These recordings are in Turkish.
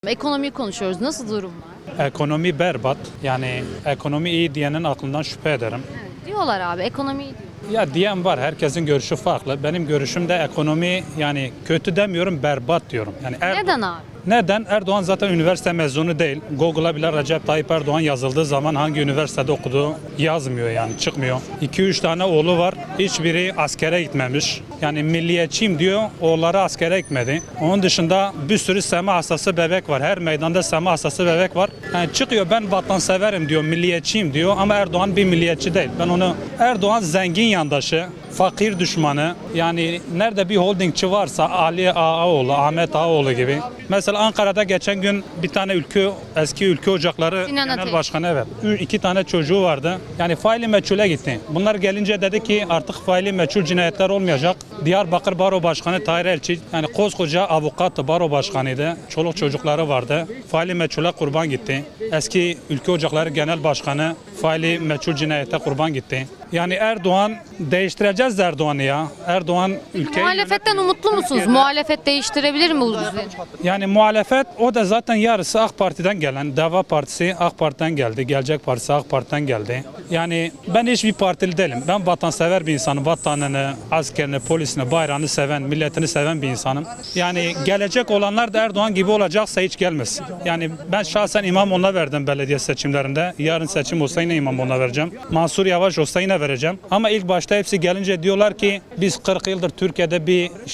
Ekonomiyi konuşuyoruz. Nasıl durum var? Ekonomi berbat. Yani ekonomi iyi diyenin aklından şüphe ederim. Evet, diyorlar abi ekonomi iyi diyor. Ya diyen var. Herkesin görüşü farklı. Benim görüşüm de ekonomi yani kötü demiyorum, berbat diyorum. Yani Neden abi? Neden? Erdoğan zaten üniversite mezunu değil. Google'a bile Recep Tayyip Erdoğan yazıldığı zaman hangi üniversitede okuduğu yazmıyor yani çıkmıyor. 2-3 tane oğlu var. Hiçbiri askere gitmemiş. Yani milliyetçiyim diyor. Oğulları askere gitmedi. Onun dışında bir sürü sema hastası bebek var. Her meydanda sema hastası bebek var. Yani çıkıyor ben vatanseverim diyor. Milliyetçiyim diyor. Ama Erdoğan bir milliyetçi değil. Ben onu Erdoğan zengin yandaşı. Fakir düşmanı yani nerede bir holdingçi varsa Ali Ağaoğlu, Ahmet Ağaoğlu gibi. Mesela Ankara'da geçen gün bir tane eski ülke ocakları Sinan genel Ateş. başkanı evet. 2 tane çocuğu vardı. Yani faili meçhule gitti. Bunlar gelince dedi ki artık faili meçhul cinayetler olmayacak. Diyarbakır Baro Başkanı Tahir Elçi yani koskoca avukattı, baro başkanıydı. Çoluk çocukları vardı. Faili meçhule kurban gitti. Eski ülke ocakları genel başkanı faili meçhul cinayete kurban gitti. Yani Erdoğan değiştireceğiz Erdoğan'ı ya. Erdoğan ülkeyi Muhalefetten umutlu musunuz? Muhalefet değiştirebilir mi bu düzeni? yani muhalefet o da zaten yarısı AK Parti'den gelen. Deva Partisi AK Parti'den geldi. Gelecek Partisi AK Parti'den geldi. Yani ben hiçbir partili değilim. Ben vatansever bir insanım. Vatanını, askerini, polisini, bayrağını seven, milletini seven bir insanım. Yani gelecek olanlar da Erdoğan gibi olacaksa hiç gelmesin. Yani ben şahsen İmamoğlu'na verdim belediye seçimlerinde. Yarın seçim olsa yine İmamoğlu'na vereceğim. Mansur Yavaş olsa yine vereceğim. Ama ilk başta hepsi gelince diyorlar ki biz 40 yıldır Türkiye'de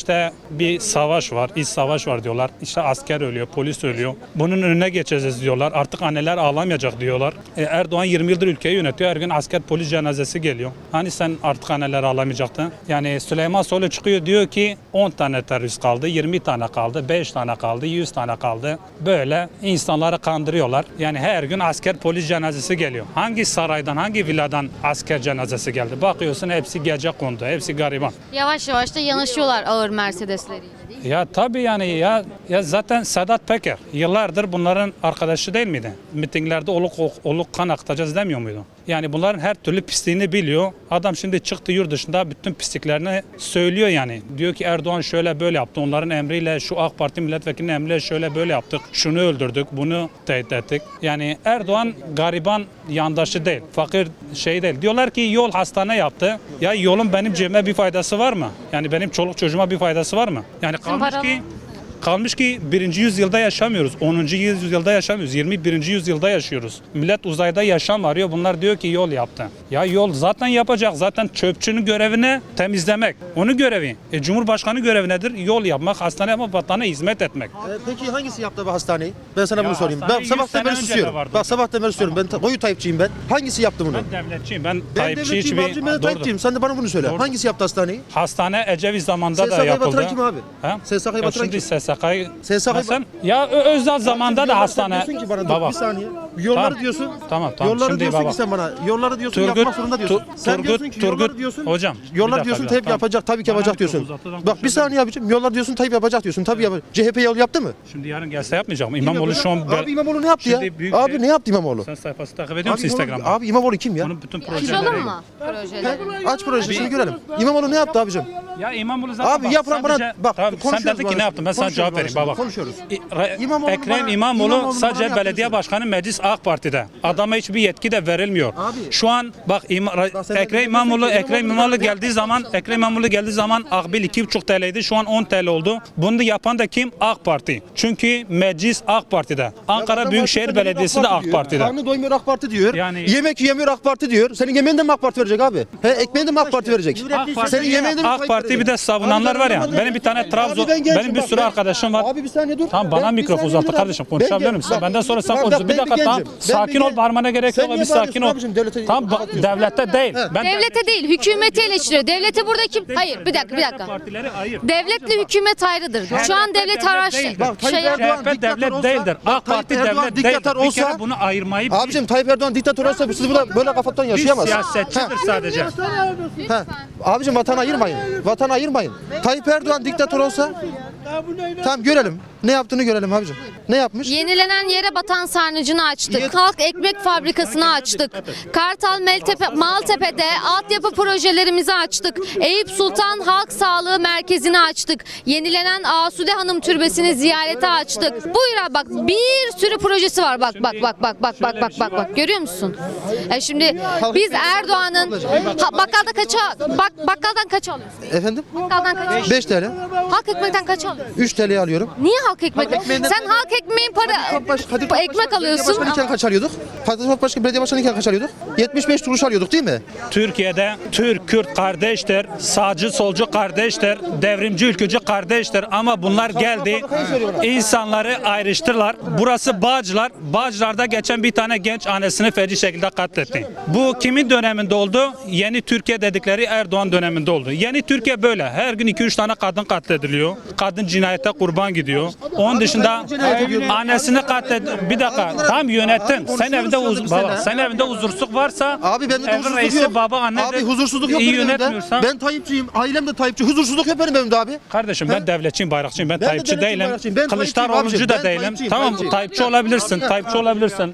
bir savaş var, iç savaş var diyorlar. İşte asker ölüyor, polis ölüyor. Bunun önüne geçeceğiz diyorlar. Artık anneler ağlamayacak diyorlar. Erdoğan 20 yıldır ülkeyi yönetiyor. Her gün asker polis cenazesi geliyor. Hani sen artık anneler ağlamayacaktın? Yani Süleyman Soylu çıkıyor diyor ki 10 tane terörist kaldı, 20 tane kaldı, 5 tane kaldı, 100 tane kaldı. Böyle insanları kandırıyorlar. Yani her gün asker polis cenazesi geliyor. Hangi saraydan, hangi villadan asker cenazesi geldi? Bakıyorsun hepsi gece kondu, hepsi gariban. Yavaş yavaş da yanaşıyorlar ağır Mercedesleriyle değil mi? Ya tabii yani ya zaten Sedat Peker yıllardır bunların arkadaşı değil miydi? Mitinglerde oluk kan akıtacağız demiyor muydu? Yani bunların her türlü pisliğini biliyor. Adam şimdi çıktı yurt dışında bütün pisliklerini söylüyor yani. Diyor ki Erdoğan şöyle böyle yaptı. Onların emriyle şu AK Parti milletvekilinin emriyle şöyle böyle yaptık. Şunu öldürdük, bunu tehdit ettik. Yani Erdoğan gariban yandaşı değil. Fakir şey değil. Diyorlar ki yol hastane yaptı. Ya yolun benim cebime bir faydası var mı? Yani benim çoluk çocuğuma bir faydası var mı? Yani kalmış ki 1. yüzyılda yaşamıyoruz. 10. yüzyılda yaşamıyoruz. 21. yüzyılda yaşıyoruz. Millet uzayda yaşam arıyor. Bunlar diyor ki yol yaptı. Ya yol zaten yapacak. Zaten çöpçünün görevi temizlemek. Onun görevi. Cumhurbaşkanı görevi nedir? Yol yapmak, hastane yapmak, vatana hizmet etmek. Peki hangisi yaptı bu hastaneyi? Ben sana bunu sorayım. hastane Ben 100 sabahtan sene beri önce de susuyorum. vardı Bak hocam. sabahtan beri susuyorum. Ben koyu Tayyipçiyim ben. Hangisi yaptı bunu? Ben devletçiyim. Ben Ben Tayyipçi devletçiyim abicim, ben de Doğrudur. Tayyipçiyim. Sen de bana bunu söyle. Doğru. Hangisi yaptı hastaneyi? Hastane Ecevit zamanında da SSK'yı yapıldı. batıran kim abi? Ha? SSK'yı Ya batıran şimdi kim? SSK'yı SSK'yı Sen ya Özal zamanında da Yolları hastane. sen diyorsun ki bana dur, Baba. bir saniye. Yolları Tamam. diyorsun. Tamam. Yolları Şimdi diyorsun baba. ki sen bana. Yolları diyorsun yapmak zorunda diyorsun. Sen diyorsun ki yolları diyorsun. Hocam. bir Yollar dakika, diyorsun bir Tayyip dakika. yapacak, tabii ki Bana yapacak diyorsun. mikrofonu uzatmadan Bak bir saniye abicim. Yollar diyorsun Tayyip yapacak diyorsun. Tabii yapacak. CHP yol yaptı mı? Şimdi yarın gelse yapmayacak mı? İmamoğlu şu an... Abi İmamoğlu ne yaptı ya? Şimdi büyük Abi şey- ne yaptı İmamoğlu? Sen sayfası takip ediyor musun Abi Instagram'da? Abi İmamoğlu kim ya? Onun bütün projeleri... Açalım mı projeleri? Aç projesini görelim. İmamoğlu ne yaptı abicim? Ya İmamoğlu zaten... Abi yapılan bana bak Tamam, sen konuşuyoruz. dedin ki ne yaptın? Ben sana cevap vereyim. Baba. Konuşuyoruz. İmamoğlu Ekrem İmamoğlu İmamoğlu sadece bana belediye yapıyorsun. başkanı meclis AK Parti'de. Adama hiçbir yetki de verilmiyor. Abi. Şu an bak sen Ekrem de İmamoğlu diyorsun ki İmamoğlu Ekrem İmamoğlu geldiği zaman akbil 2,5 TL'ydi. Şu an 10 TL oldu. Bunu da yapan da kim? AK Parti. Çünkü meclis AK Parti'de. Ankara Büyükşehir Belediyesi de AK Parti'de. Karnı doymuyor AK Parti diyor. Yani- Yemek yiyemiyor AK Parti diyor. Senin yemeğini de mi AK Parti verecek abi? He ekmeğini de mi AK Parti verecek? Senin yemeğini de mi AK Tayyip Parti bir verecek? de savunanlar Abi var ya. ben Benim bir tane Trabzon, Abi ben gençim, benim bir bak sürü ben- arkadaşım var. Abi bir saniye dur. Tamam bana Ben- bir mikrofon saniye uzattı dur kardeşim. abi. Konuşabilir Ben misin? gen- Benden sonra sen Bak, konuşuyorsun. Bir ben dakika tamam. gencim. Ben Sakin ol, gen- bağırmana gerek Sen yok. niye Bir sakin bağırıyorsun ol. abicim? Devlete Tamam kapatıyorsun. devlette değil. Ben Devlete değil, hükümeti eleştiriyor. Devleti burada kim? Hayır, bir dakika. Partileri ayır. Devletle hükümet ayrıdır. Şu an devlet değildir. Bak, Tayyip şey Erdoğan CHP diktatör devlet olsa- değildir. Bak, AK Parti Tayyip Erdoğan devlet diktatör değildir. Bir olsa- kere bunu ayırmayı Abicim Tayyip Erdoğan diktatör olsa siz böyle kafadan yaşayamaz. siyasetçidir sadece. Abicim vatan ayırmayın. Vatan ayırmayın. Tayyip Erdoğan diktatör olsa Tamam görelim. Ne yaptığını görelim abicim. Ne yapmış? Yenilenen yere batan sarnıcını açtık. Halk ekmek fabrikasını açtık. Kartal Maltepe'de altyapı projelerimizi açtık. Eyüp Sultan Halk Sağlığı Merkezi'ni açtık. Yenilenen Asude Hanım Türbesi'ni ziyarete açtık. Buyur abi, bak bir sürü projesi var. Bak. Görüyor musun? Şimdi biz Erdoğan'ın bakkalda bakkaldan kaç alıyorsun? Efendim? Bakkaldan kaç alıyorsun? 5 TL. Halk ekmekten kaç alıyorsun? 3 TL alıyorum. Niye halk ekmek? Sen halk ekmeğin ekmek alıyorsun. Başkanıyken kaç alıyorduk? Kadir Başkan belediye başkanıyken kaç alıyorduk? 75 kuruş alıyorduk değil mi? Türkiye'de Türk, Kürt kardeştir, sağcı, solcu kardeştir, devrimci, ülkücü kardeştir ama bunlar geldi, insanları ayrıştırlar. Burası Bağcılar. Bağcılar'da geçen bir tane genç annesini feci şekilde katletti. Bu kimin döneminde oldu? Yeni Türkiye dedikleri Erdoğan döneminde oldu. Yeni Türkiye böyle. Her gün 2-3 tane kadın katlediliyor. Kadın cinayete kurban gidiyor. Onun dışında annesini katlet. Bir dakika. Tam yönettin. Sen evinde baba, sen evinde huzursuzluk varsa Abi bende de evin huzursuzluk reisi yok. baba anne Abi de huzursuzluk yok iyi benim evimde. yönetmiyorsan. Ben Tayyipçiyim. Ailem de Tayyipçi. Huzursuzluk yok benim evimde abi. Kardeşim ben devletçiyim, bayrakçıyım. Ben de Tayyipçi devletçiyim, değilim. bayrakçıyım. Ben Kılıçdaroğlu'cu Tayyipçiyim da abicim. Ben değilim. Tayyipçiyim, Tamam Tayyipçiyim. Tayyipçi olabilirsin. Tayyipçi olabilirsin.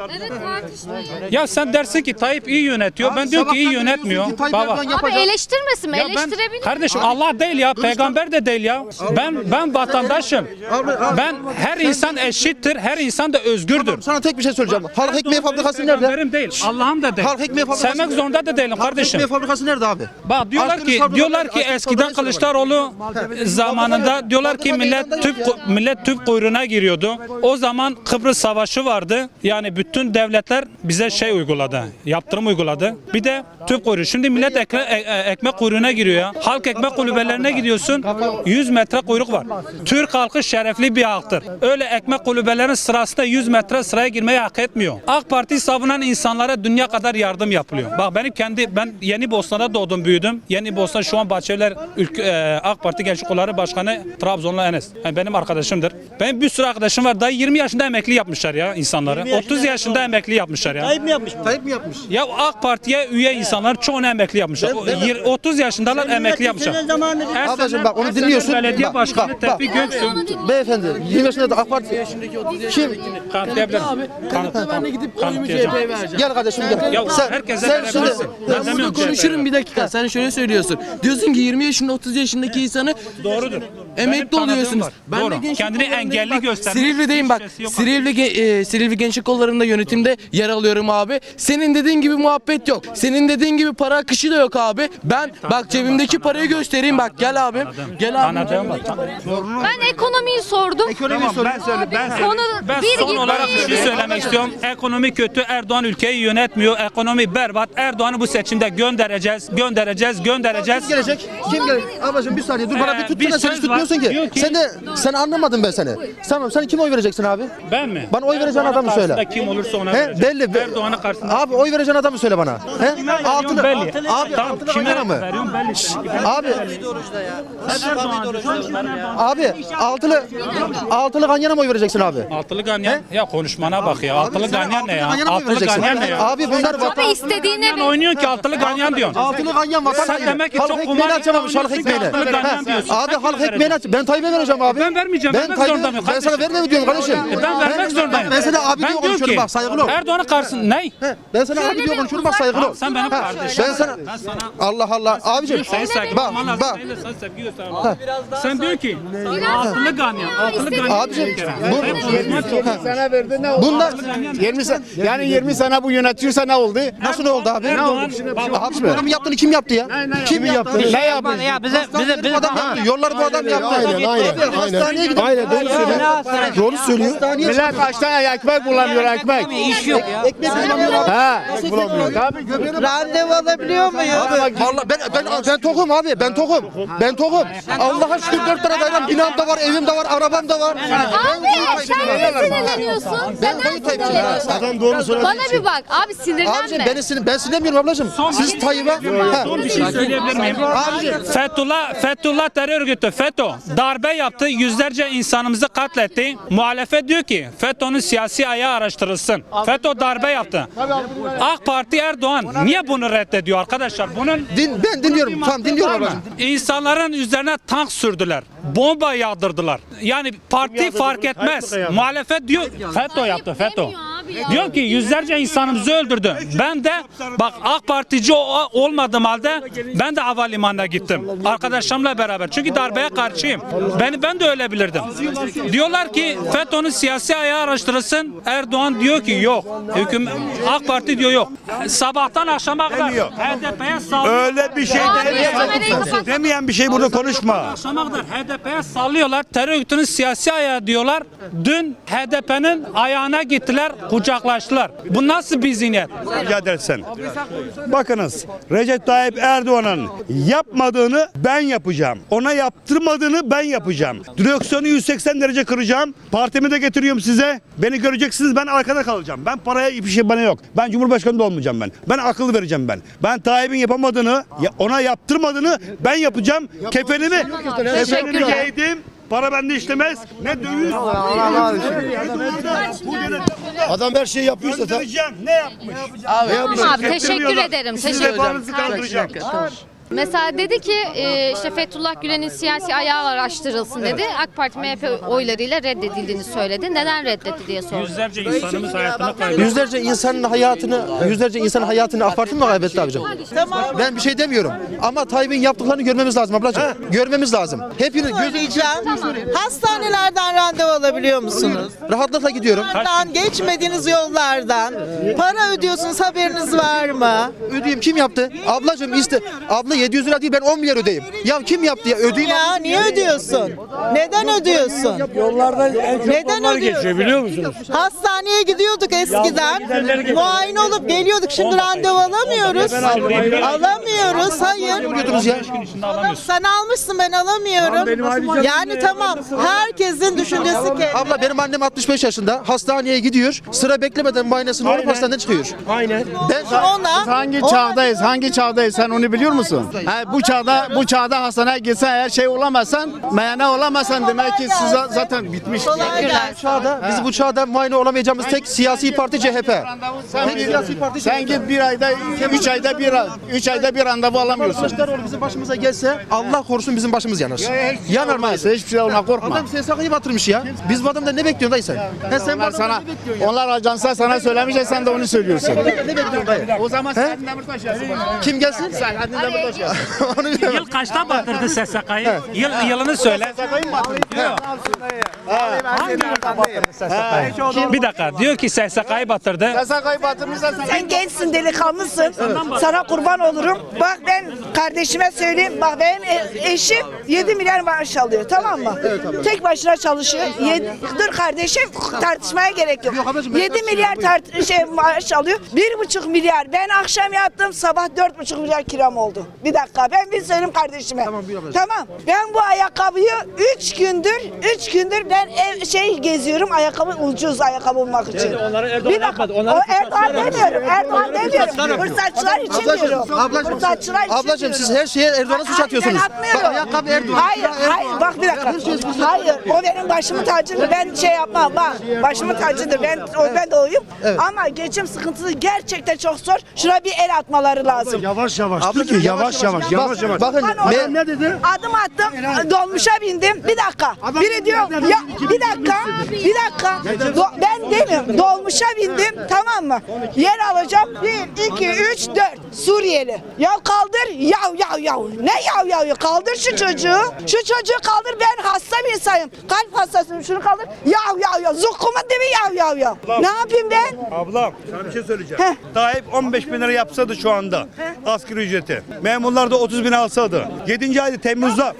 Ya sen dersin ki Tayyip iyi yönetiyor. Ben diyorum ki iyi yönetmiyor. Baba. Abi eleştirmesin mi? Ya ben Eleştirebilir. kardeşim Allah değil ya, peygamber de değil ya. Ben vatandaşım. Ben her insan eşittir. Her insan da özgürdür. Sana tek bir şey söyleyeceğim. Halk ekmeği fabrikası nerede? Peygamberim değil. Allah'ım da değil. Halk ekmeği fabrikası. Sevmek zorunda da değilim Halk kardeşim. ekmeği fabrikası nerede abi? Bak diyorlar ki eskiden Kılıçdaroğlu zamanında diyorlar ki millet tüp kuyruğuna giriyordu. O zaman Kıbrıs Savaşı vardı. Yani bütün devletler bize şey uyguladı. Yaptırım uyguladı. Bir de tüp kuyruğu. Şimdi millet ekmek kuyruğuna giriyor ya. Halk ekmek kulübelerine gidiyorsun. 100 metre kuyruk var. Türk halkı şerefli bir halktır. Öyle ekmek kulübelerinin sırasında 100 metre sıraya girmeyi hak etmiyor. AK Parti savunan insanlara dünya kadar yardım yapılıyor. Bak ben Yeni Bosna'da doğdum büyüdüm. Yeni Bosna şu an Bahçeliler AK Parti Gençlik Kolları Başkanı Trabzonlu Enes. Yani benim arkadaşımdır. Benim bir sürü arkadaşım var. Daha 20 yaşında emekli yapmışlar ya insanları. 30 yaşında emekli yapmışlar ya. Tayyip mi yapmış? Tayyip mi yapmış? Ya AK Parti'ye üye insanlar çoğunu emekli yapmışlar. 30 yaşındalar emekli yapmışlar. Ablacığım bak onu dinliyorsun. Belediye Bak, Başkanı bak, Tevfik bak. Göksu. Beyefendi 20 yaşında da AK Parti kim? Kanıtlayabilirim. Ben de gidip oyumu Kanıtlayacağım. CHP'ye vereceğim. Gel kardeşim gel. Ya herkese verebilirsin. Ben demiyorum ki Konuşurum bir dakika. Sen şöyle söylüyorsun. Diyorsun ki 20 yaşında 30 yaşındaki insanı doğrudur. emekli Benim oluyorsunuz. tanıdığım var. de Doğru. gençlik Kendini kollarındayım. engelli Bak, göstermek Silivri'deyim bak. hiçbir şeysi yok. Silivri Gençlik Kolları'nda yönetimde yer alıyorum abi. Senin dediğin gibi muhabbet yok. Senin dediğin gibi para akışı da yok abi. Ben bak cebimdeki parayı göstereyim bak gel abi. Gel abi. Tanıdığım var. Ben ekonomiyi sordum. Konu Ben bir son gitti. olarak bir şey söylemek istiyorum. Ekonomi kötü. Erdoğan ülkeyi yönetmiyor. Ekonomi berbat. Erdoğan'ı bu seçimde göndereceğiz. Kim gelecek? Kim gelecek? Ablacığım bir saniye dur bana bir bir tutsana sen hiç söz var. tutmuyorsun Diyor ki. ki- Sen anlamadın ben seni. Tamam sen kime oy vereceksin abi? Ben mi? Bana oy vereceğin adamı söyle. Karşısında kim olursa ona He vereceğim. belli. Erdoğan'ın karşısında. Abi oy vereceğin adamı söyle bana. He? Altılı. belli. Abi Tamam, altılı kime Ganyana mı? veriyorum belli. Abi abi altılı Ganyana mı oy vereceksin abi? Altılı ganyan. Ya konuşmana bak ya. Altılı sen ganyan ne ya? Ganyana mı Altılı vereceksin? ganyan ne ya? Abi bunlar Abi vatan. istediğine Sen oynuyorsun ki altılı ganyan diyorsun. Altılı Ganyan vatan. Sen demek ki halk çok ekmeğini kumar açamamış halk oynuyorsun ki ekmeğini. altılı ganyan He. diyorsun. Abi Sen halk kime ekmeğini aç. Ben Tayyip'e vereceğim abi. Ben vermeyeceğim. Vermek zorunda mıyım Ben sana verme mi diyorum kardeşim? Ben vermek zorundayım. Ben sana abi diye diyorum konuşuyorum ki, bak saygılı ol. Erdoğan'ın karşısında ne? Ben sana abi diye konuşuyorum bak saygılı ol. Sen benim Ha, kardeşim. Ben sana Allah Allah abicim. Sen sevgi Bak olman lazım. bak. Benim de sana sevgi göstermem. Sen diyor ki altılı ganyan. Altılı ganyan. Abicim bunlar 20 sene bu yönetiyorsa ne oldu? nasıl oldu abi? Erdoğan, Abi bu adamın yaptığını kim yaptı ya? Kim yaptı? Ne yapmış? Bu adam yaptı. Yolları bu adam yaptı. Aynen. Hastaneye gidip Aynen doğru söylüyor. Doğru söylüyor. Millet kaç tane ekmek bulamıyor ekmek. iş yok. Ekmek bulamıyorlar. Ha. Bulamıyor. Randevu alabiliyor muyum? Vallahi ben tokum abi. Ben tokum. Allah'a şükür 4 tane dairem, binam da var, evim de var, arabam da var. Abi sen nesiniz sinirleniyorsun? Ben Neden koyu Tayyipçiyim. sinirleniyorsun? Adam doğru söylediği Bana bir bak abi, sinirlenme. Abicim ben sinirlenmiyorum ablacığım. Siz Tayyip'e... Ha. Bir şey söyleyebilir miyim? Fethullah terör örgütü FETÖ darbe yaptı. Yüzlerce insanımızı katletti. Muhalefet diyor ki FETÖ'nün siyasi ayağı araştırılsın. FETÖ darbe yaptı. AK Parti Erdoğan niye bunu reddediyor arkadaşlar? Bunun Ben dinliyorum. Tamam dinliyorum ablacığım. İnsanların üzerine tank sürdüler. Bomba yağdırdılar. Yani parti fark etmez. Muhalefet diyor FETÖ yaptı FETÖ. Demiyor abi ya. Diyor ki yüzlerce insanımızı öldürdü. Ben de bak AK Partici olmadığım halde ben de havalimanına gittim. Arkadaşlarımla beraber. Çünkü darbeye karşıyım. Ben de ölebilirdim. Diyorlar ki FETÖ'nün siyasi ayağı araştırılsın. Erdoğan diyor ki yok. AK Parti diyor yok. Sabahtan akşama kadar HDP'ye sallıyor. Öyle bir şey Abi, demeyen, kamerayı kapat. demeyen bir şey burada konuşma. Akşama kadar HDP'ye sallıyorlar. Terör örgütünün siyasi ayağı diyorlar. Dün HDP'nin ayağına gittiler, kucaklaştılar. Bu nasıl bir zihniyet? Rica edersen. Bakınız Recep Tayyip Erdoğan'ın yapmadığını ben yapacağım. Ona yaptırmadığını ben yapacağım. Direksiyonu 180 derece kıracağım. Partimi de getiriyorum size. Beni göreceksiniz, ben arkada kalacağım. Ben paraya bir şey bana yok. Ben Cumhurbaşkanı da olmayacağım ben. Ben akıl vereceğim ben. Ben Tayyip'in yapamadığını, ona yaptırmadığını ben yapacağım. Kefenimi Teşekkürler. giydim. Para bende işlemez. Ne döviz. Adam her şeyi yapıyorsa da Ne yapmış? Abi teşekkür ederim. Siz Teşekkür vefanızı kaldıracağım. Mesela dedi ki işte Fethullah Gülen'in siyasi ayağı araştırılsın dedi. AK Parti MHP oylarıyla reddedildiğini söyledi. Neden reddetti diye sordu. Yüzlerce insanımız hayatını kaybetti. Yüzlerce insanın hayatını AK Parti mi kaybetti abicim? Ben bir şey demiyorum. Ama Tayyip'in yaptıklarını görmemiz lazım ablacığım. Görmemiz lazım. Hepiniz Söyleyeceğim. Hastanelerden randevu alabiliyor musunuz? rahatlıkla gidiyorum. Buradan geçmediğiniz yollardan para ödüyorsunuz, haberiniz var mı? Ödeyeyim, kim yaptı? Ablacığım abla 700 lira değil, ben 10 milyar ödeyeyim. Ya kim yaptı ya? Ödeyeyim. Ya niye ödüyorsun? Neden ödüyorsun? Yollardan en çok Neden onlar ödüyorsun? geçiyor biliyor musunuz? Hastaneye gidiyorduk eskiden. Muayene olup geliyorduk. Şimdi randevu alamıyoruz. Alamıyoruz. Hayır. Ödüyordunuz ya. Sen almışsın, ben alamıyorum. Yani tamam. Herkesin düşüncesi ki. Abla benim annem 65 yaşında. Hastaneye gidiyor. Sıra beklemeden muayenesini olup hastaneden çıkıyor. Aynen. Ben Ona hangi çağdayız? Hangi çağdayız? Sen onu biliyor musun? Bu çağda hastaneye gitsen eğer şey olamazsan, meyane olamazsan demek ki siz zaten bitmiş. Biz bu çağda muayene olamayacağımız tek siyasi parti CHP. Sen git bir ayda, 3 ayda bir randevu alamıyorsun. Kılıçdaroğlu bizim başımıza gelse Allah korusun bizim başımız yanar. Yanar maalesef. Hiçbir şey ona korkma. Adam SSK'yı batırmış ya. Biz bu adamdan ne bekliyorsun dayı sen? Sen bu Onlar adamdan sana, ne bekliyorsun ya? onlar ajansa sana söylemeyecek, sen de onu söylüyorsun. Ne bekliyorsun dayı? O zaman Selahattin Demirtaş yazsın bana. Kim gelsin? Selahattin Demirtaş yazsın. Onu bilemem. Yıl kaçta batırdı SSK'yı? Yılını söyle. Bir dakika diyor ki SSK'yı batırdı. SSK'yı batırmışsa Sen gençsin, delikanlısın. Sana kurban olurum. Bak ben kardeşime söyleyeyim. Bak benim eşim 7 milyar maaş alıyor, tamam mı? Tek başına çalışıyor. Dur kardeşim, tartışmaya gerek yok. 7 milyar maaş alıyor. 1,5 milyar. Ben akşam yattım, sabah 4,5 milyar kiram oldu. Bir dakika, ben bir söyleyeyim kardeşime. Tamam. Ben bu ayakkabıyı 3 gündür ben geziyorum, ayakkabı ucuz ayakkabı bulmak için. Bir dakika. O Erdoğan demiyorum. Fırsatçılar için diyorum. Fırsatçılar için Ablacığım diyorum. siz her şeye Erdoğan'a suç atıyorsunuz. Ben atmıyorum. Bak ayakkabı Erdoğan. Hayır, bak bir dakika. Hayır, o benim başımın tacıdır. Ben şey yapmam, bak. Başımın tacıdır. Ben de oyum. Ama geçim sıkıntısı gerçekten çok zor. Şuna bir el atmaları lazım. Yavaş yavaş. Yavaş yavaş. Bakın Ne dedi? Adım attım, dolmuşa bindim. Bir dakika. Biri diyor, ya bir dakika. Ben demiyorum, dolmuşa bindim, tamam mı? Yer alacağım. 1, 2, 3, 4. Suriyeli. Ya kaldır, yav. Ne yav? Kaldır şu çocuğu. Şu çocuğu kaldır, ben hasta bir insanım. Kalp hastasıyım, şunu kaldır. Yav. Zukkumun dibi yav. Ne yapayım ben? Ablam sana bir şey söyleyeceğim. Tayyip 15 bin lira yapsaydı şu anda asgari ücreti. Memurlar da 30 bin alsaydı. 7. ayda Temmuz'da.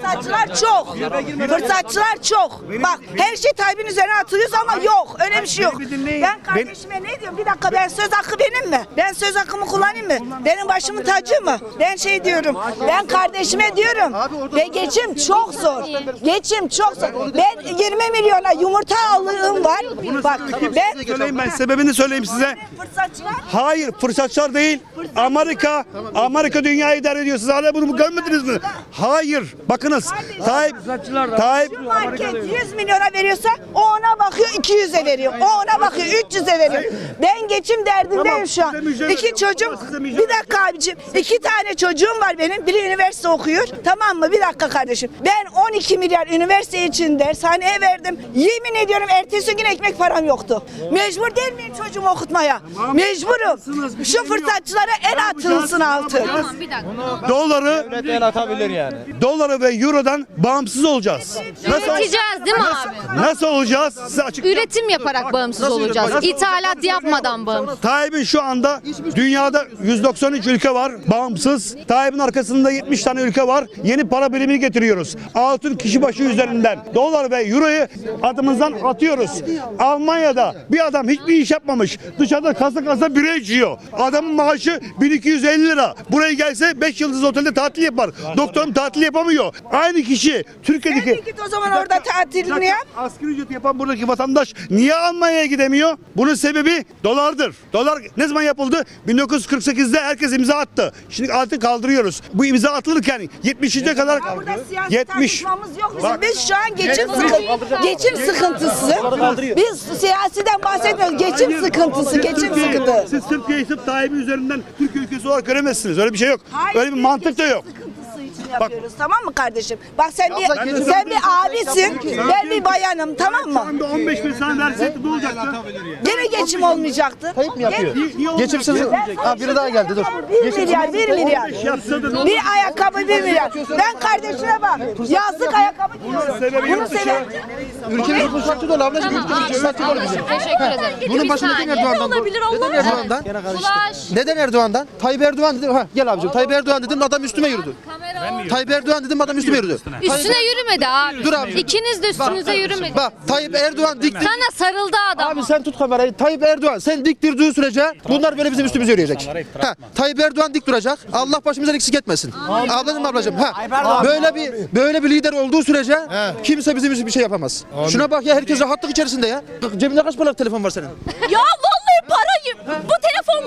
Fırsatçılar çok. Bak her şey Tayyip'in üzerine atıyoruz ama yok. Öyle bir şey yok. Bir dinleyin Ben kardeşime ne diyorum? Bir dakika, ben söz hakkı benim mi? Ben söz hakkımı kullanayım mı? Benim başımın tacı mı? Ben şey diyorum. Ben kardeşime diyorum. Ve geçim çok zor. Geçim çok zor. Ben 20 milyona yumurta aldığım var. Bak ben Söyleyeyim, ben sebebini söyleyeyim size. fırsatçılar. Hayır, fırsatçılar değil. Amerika dünyayı idare ediyor. Siz hala bunu görmediniz mi? Hayır. Bakınız. Tayyip Şu market 100 milyona veriyorsa o ona bakıyor 200'e veriyor. O ona bakıyor 300'e veriyor. Ben geçim derdindeyim şu an. İki çocuğum, bir dakika abicim. 2 tane çocuğum var benim. Biri üniversite okuyor. Tamam mı? Bir dakika kardeşim. Ben 12 milyar üniversite için dershaneye verdim. Yemin ediyorum ertesi gün ekmek param yoktu. Mecbur değil miyim çocuğumu okutmaya? Mecburum. Şu fırsatçılara el atılsın altı. Tamam bir dakika. doları ve eurodan bağımsız olacağız. Üreteceğiz değil mi abi? Nasıl olacağız? Size açıklayayım. Üretim yaparak bağımsız olacağız. İthalat yapmadan bağımsız. Tayyip'in şu anda dünyada 193 ülke var bağımsız. Tayyip'in arkasında 70 tane ülke var. Yeni para birimini getiriyoruz. Altın kişi başı üzerinden. Dolar ve euroyu adımızdan atıyoruz. Almanya'da bir adam hiçbir iş yapmamış. Dışarıda kasa bira içiyor. Adamın maaşı 1250 lira. Buraya gelse 5 yıldız otelde tatil yapar. Doktorum tatil yapamıyor. Aynı kişi Türkiye'deki... Sen de git o zaman orada tatilini yap. Asgari ücret yapan buradaki vatandaş niye Almanya'ya gidemiyor? Bunun sebebi dolardır. Dolar ne zaman yapıldı? 1948'de herkes imza attı. Şimdi artık kaldırıyoruz. Bu imza atılırken 70'e kadar Burada siyasi 70. tartışmamız yok bizim. Bak. Biz şu an geçim sıkıntısı. Biz siyasiden bahsetmiyoruz. Geçim sıkıntısı. Geçim sıkıntı. Siz Türkiye'yi sırf Tayyip'in üzerinden Türkiye ülkesi olarak göremezsiniz. Öyle bir şey yok. Öyle bir mantık da yok. Sıkıntısı için yapıyoruz, tamam mı kardeşim? Bak sen bir abisin, ben bir bayanım, tamam Şu mı? anda 15 bin sana verseydi ne olacaktı? Gene geçim olmayacaktı. Tayyip mi yapıyor? Geçimsiz. Ha biri daha geldi dur. 1 milyar, 1 milyar. Yapsa da ne olur? Bir ayakkabı 1 milyar. Ben kardeşine bak, yazlık ayakkabı giyiyorum. Bunun sebebi... Ülkemiz fırsatçı dolu ablacığım. Ülkemiz fırsatçı dolu bizim. Teşekkür ederim. Bunun başında neden Erdoğan'dan? Neden Erdoğan'dan? Ulaş. Neden Erdoğan'dan? Tayyip Erdoğan dedim. Ha gel abicim. Tayyip Erdoğan dedim adam üstüme yürüdü. Tayyip Erdoğan dedim adam üstüme yürüdü. Üstüne yürümedi abi. Dur abi. İkiniz de üstünüze yürümedi. Bak Tayyip Erdoğan diktir. Sana sarıldı adam. Abi sen tut kamerayı. Tayyip Erdoğan sen dik durduğu sürece bunlar böyle bizim üstümüze yürüyecek. Ha, Tayyip Erdoğan dik duracak. Allah başımızdan eksik etmesin. Ablacığım ha. Böyle bir lider olduğu sürece kimse bizim için bir şey yapamaz. Şuna bak ya herkes rahatlık içerisinde ya. Cebinde kaç paralık telefon var senin? Ya vallahi parayı. Bu telefon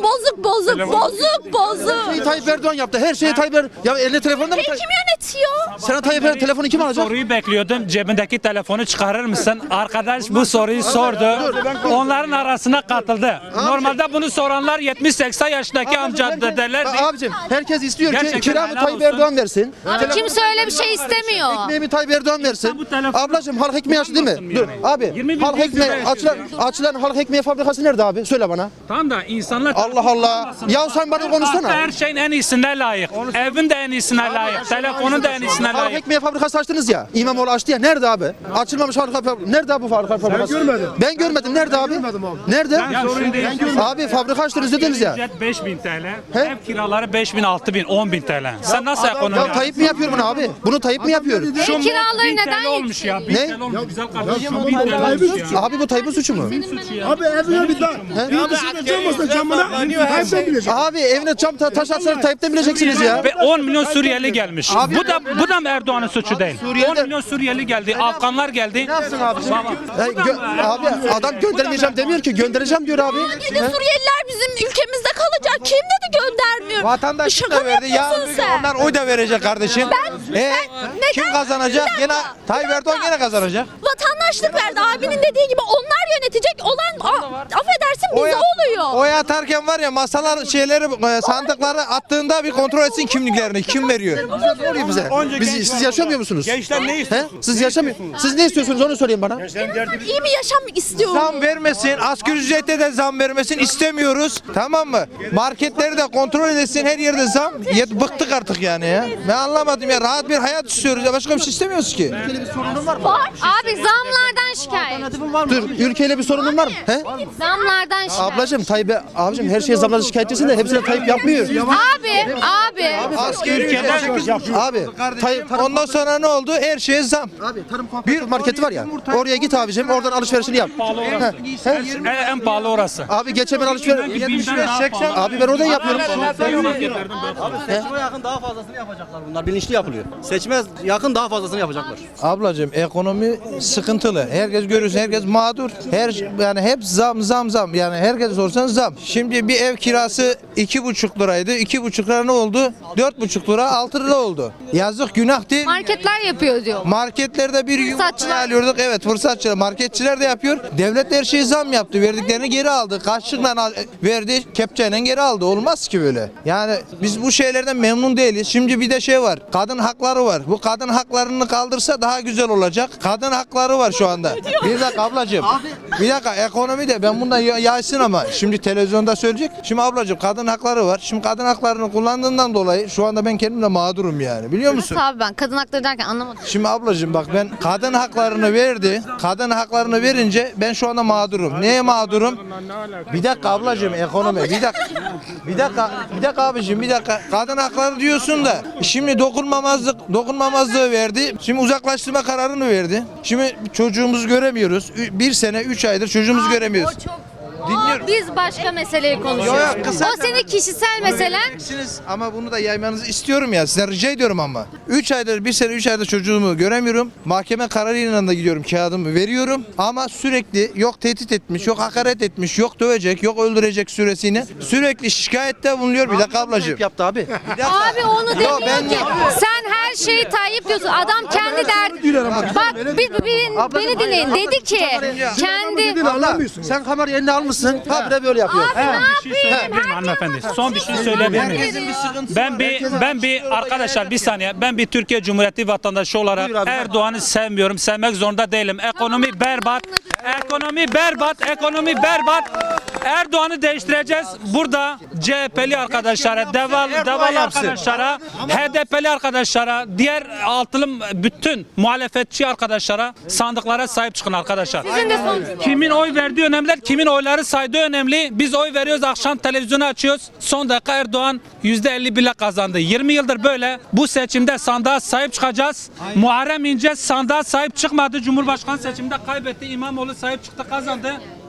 bozuk. Tayyip Erdoğan yaptı. Her şeyi Tayyip Erdoğan. Ya eline telefonda mı? Kim yönetiyor? Sana Tayyip Erdoğan telefonu kim alacak? Soruyu bekliyordum. Cebindeki telefonu çıkarır mısın? Arkadaş bu soruyu sordu. Onların arasına katıldı. Normalde bunu soranlar 70-80 yaşındaki amca dedeler. Abicim herkes istiyor ki Gerçekten kiramı helal Tayyip olsun. Erdoğan versin. Abi kimse öyle bir şey istemiyor. Ekmeğimi Tayyip Erdoğan versin. bu telefonu Ablacığım halk ekmeği açtı değil mi? yani. Dur abi. 20 bin Halk ekmeği açılan halk ekmeği fabrikası nerede abi? Söyle bana. Tamam da insanlar... Allah Allah. Ya sen bana konuşsana. Her şeyin en iyisine layık. Evin de en iyisine layık. Telefonun da en iyisine Halk layık. ekmeği fabrikası açtınız ya. İmamoğlu açtı ya. Nerede abi? Açılmamış halk fabrikası. Nerede abi bu fabrika fabrikası? Ben görmedim. Ben görmedim. Nerede abi? Nerede? Sorun değil. Abi fabrika açtınız dediniz ya. Ücret 5.000 TL. He? Ev kiraları 5.000, 6.000, 10.000 TL. Sen nasıl ekonomi Ya Tayyip mi yapıyor bunu abi? Bunu Tayyip mi yapıyor? Ev kiraları 1000 neden TL olmuş ya. 1000 Ne? TL olmuş güzel kardeşim. 1000 TL olmuş ya. Abi bu Tayyip'in suçu mu? Abi evine bir dışında cam olsa camına Tayyip'ten bilecek. Abi evine cam taş atsanız Tayyip'ten bileceksiniz ya. Ve 10 milyon Suriyeli gelmiş. Bu da mı Erdoğan'ın suçu değil? Suriyeli'de- 10 milyon Suriyeli geldi. Afganlar geldi. Ne yapsın abi? Tamam. Abi adam göndermeyeceğim demiyor ki göndereceğim diyor abi. Dedi Suriyeliler bizim ülkemizde kalacak. Kim dedi göndermiyor? Vatandaş Şaka da verdi. Yarın yapıyorsun bir gün sen. onlar oy da verecek kardeşim. neden- Kim kazanacak? Bir Yine dakika, Tayyip bir Erdoğan dakika. yine kazanacak. Vatandaşlık verdi. Abinin dediği gibi onlar yönetecek olan affedersin bize oluyor. Oy atarken var ya masalar sandıkları attığında bir kontrol etsin kimliklerini. Kim veriyor? Soruyor bize. Siz yaşamıyor musunuz? Gençler ne istiyor? He? Siz yaşamıyor. Siz ne istiyorsunuz onu söyleyin bana. İyi bir yaşam istiyorum. Zam vermesin, asgari ücrete de zam vermesin istemiyoruz. Tamam mı? Marketleri de kontrol edesin, her yerde zam. Bıktık artık yani ya. Ben anlamadım ya. Rahat bir hayat istiyoruz ya. Başka bir şey istemiyoruz ki. Abi zamlardan şikayet. Dur ülkeyle bir sorunun var mı? He? Zamlardan şikayet. Ablacığım Tayyip abicim her şeye zamlarla şikayetçisin de hepsine Tayyip yapmıyor. Abi. Abi Ondan sonra ne oldu? Her şeye zam. Abi tarım kooperatif marketi var ya. Oraya git abicim. Oradan alışverişini yap. En pahalı orası. Abi geçen ben alışveriş 75-80. Abi ben oradan yapıyorum. Seçime yakın daha fazlasını yapacaklar bunlar. Bilinçli yapılıyor. Seçime yakın daha fazlasını yapacaklar. Ablacığım ekonomi sıkıntılı. Herkes görüyorsun, herkes mağdur. Yani hep zam. Yani herkes sorsan zam. Şimdi bir ev kirası 2,5 liraydı. 2,5 lira ne oldu? 4,5 lira 6 lira oldu. Yazık, günah değil. Marketler yapıyor diyor. Marketlerde bir yumurta Fırsatçılar. alıyorduk. Evet, fırsatçılar. Marketçiler de yapıyor. Devlet her şeyi zam yaptı. Verdiklerini geri aldı. Kaçlıkla verdi, kepçeyle geri aldı. Olmaz ki böyle. Yani biz bu şeylerden memnun değiliz. Şimdi bir de şey var. Kadın hakları var. Bu kadın haklarını kaldırsa daha güzel olacak. Kadın hakları var şu anda. Bir dakika ablacığım. Bir dakika, ekonomi de ben bundan yaysın ama şimdi televizyonda söyleyecek. Şimdi ablacığım kadın hakları var. Şimdi kadın haklarını kullandığından dolayı şu anda ben kendim de mağdurum yani. Biliyor musun? Nasıl abi ben kadın hakları derken anlamadım. Şimdi ablacığım bak, ben kadın haklarını verdi. Kadın haklarını verince ben şu anda mağdurum. Neye mağdurum? Bir dakika ablacığım, ekonomi. Bir dakika abicim, bir dakika. Kadın hakları diyorsun da şimdi dokunmamazlığı verdi. Şimdi uzaklaştırma kararını verdi. Şimdi çocuğumuzu göremiyoruz. 1 sene 3 aydır çocuğumuzu göremiyoruz. Dinliyorum. Biz başka meseleyi konuşuyoruz. Yok, kısa- O senin kişisel meselen. Ama bunu da yaymanızı istiyorum ya. Size rica ediyorum ama. 3 aydır, 1 sene 3 aydır çocuğumu göremiyorum. Mahkeme kararıyla da gidiyorum, kağıdımı veriyorum. Ama sürekli yok tehdit etmiş, yok hakaret etmiş, yok dövecek, yok öldürecek süresini. Sürekli şikayette bulunuyor. Bir dakika ablacığım. yaptı abi. Bir dakika. Abi onu Yo, demiyor ben- ki. Sen her şeyi Tayyip diyorsun. Adam kendi derdi. Bak beni dinleyin. Dedi ki kendi. Abla sen kamerayı eline almışsın. Habire böyle yapıyor. Bir şey söyleyebilir miyim hanımefendi? Son bir şey söyleyebilir miyim? Ben bir arkadaşlar bir saniye. Ben bir Türkiye Cumhuriyeti vatandaşı olarak Buyur abi. Erdoğan'ı sevmiyorum. Sevmek zorunda değilim. Ekonomi berbat. Ekonomi berbat. Erdoğan'ı değiştireceğiz. Burada CHP'li arkadaşlara, devalı arkadaşlara, HDP'li arkadaşlara, diğer altılı bütün muhalefetçi arkadaşlara, sandıklara sahip çıkın arkadaşlar. Sizin de son. Kimin oy verdiği önemli değil, kimin oyları saydığı önemli. Biz oy veriyoruz, akşam televizyonu açıyoruz. Son dakika Erdoğan %51'le kazandı. 20 yıldır böyle. Bu seçimde sandığa sahip çıkacağız. Muharrem İnce sandığa sahip çıkmadı. Cumhurbaşkanı seçiminde kaybetti. İmamoğlu sahip çıktı, kazandı.